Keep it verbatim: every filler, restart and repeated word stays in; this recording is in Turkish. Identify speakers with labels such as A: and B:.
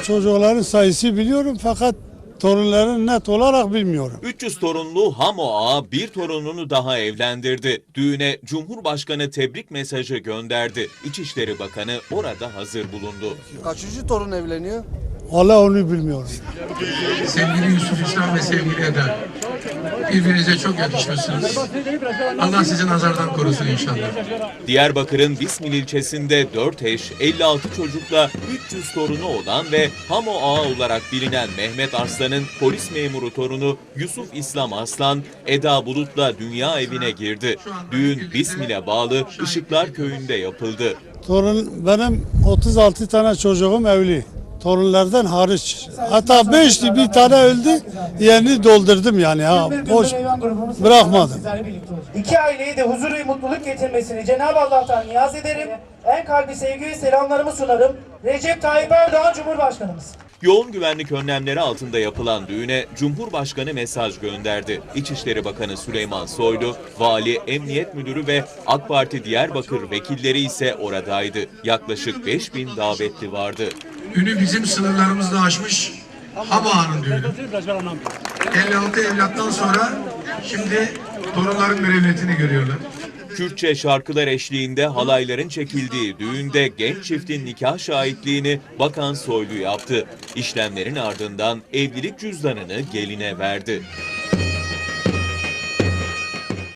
A: çocukların sayısı biliyorum fakat torunların net olarak bilmiyorum.
B: üç yüz torunlu Hamo Ağa bir torununu daha evlendirdi. Düğüne Cumhurbaşkanı tebrik mesajı gönderdi. İçişleri Bakanı orada hazır bulundu.
C: Kaçıncı torun evleniyor?
A: Valla onu bilmiyorum.
D: Sevgili Yusuf İslam ve sevgili Eda, birbirinize çok yakışmışsınız. Allah sizi nazardan korusun inşallah.
B: Diyarbakır'ın Bismil ilçesinde dört eş, elli altı çocukla üç yüz torunu olan ve Hamo Ağa olarak bilinen Mehmet Arslan'ın polis memuru torunu Yusuf İslam Arslan, Eda Bulut'la dünya evine girdi. Düğün Bismil'e bağlı Işıklar Köyü'nde yapıldı.
A: Torun, benim otuz altı tane çocuğum evli. Torunlardan hariç. Hatta beşti, bir tane öldü. Yerini doldurdum yani. Ha, boş bırakmadım.
E: İki aileyi de huzur ve mutluluk getirmesini Cenab-ı Allah'tan niyaz ederim. En kalbi sevgi ve selamlarımı sunarım. Recep Tayyip Erdoğan Cumhurbaşkanımız.
B: Yoğun güvenlik önlemleri altında yapılan düğüne Cumhurbaşkanı mesaj gönderdi. İçişleri Bakanı Süleyman Soylu, Vali, Emniyet Müdürü ve AK Parti Diyarbakır vekilleri ise oradaydı. Yaklaşık beş bin davetli vardı.
D: Ünü bizim sınırlarımızda aşmış Hamo Ağa'nın düğünü. elli altı evlattan sonra şimdi torunların mürevvetini görüyorlar.
B: Kürtçe şarkılar eşliğinde halayların çekildiği düğünde genç çiftin nikah şahitliğini Bakan Soylu yaptı. İşlemlerin ardından evlilik cüzdanını geline verdi.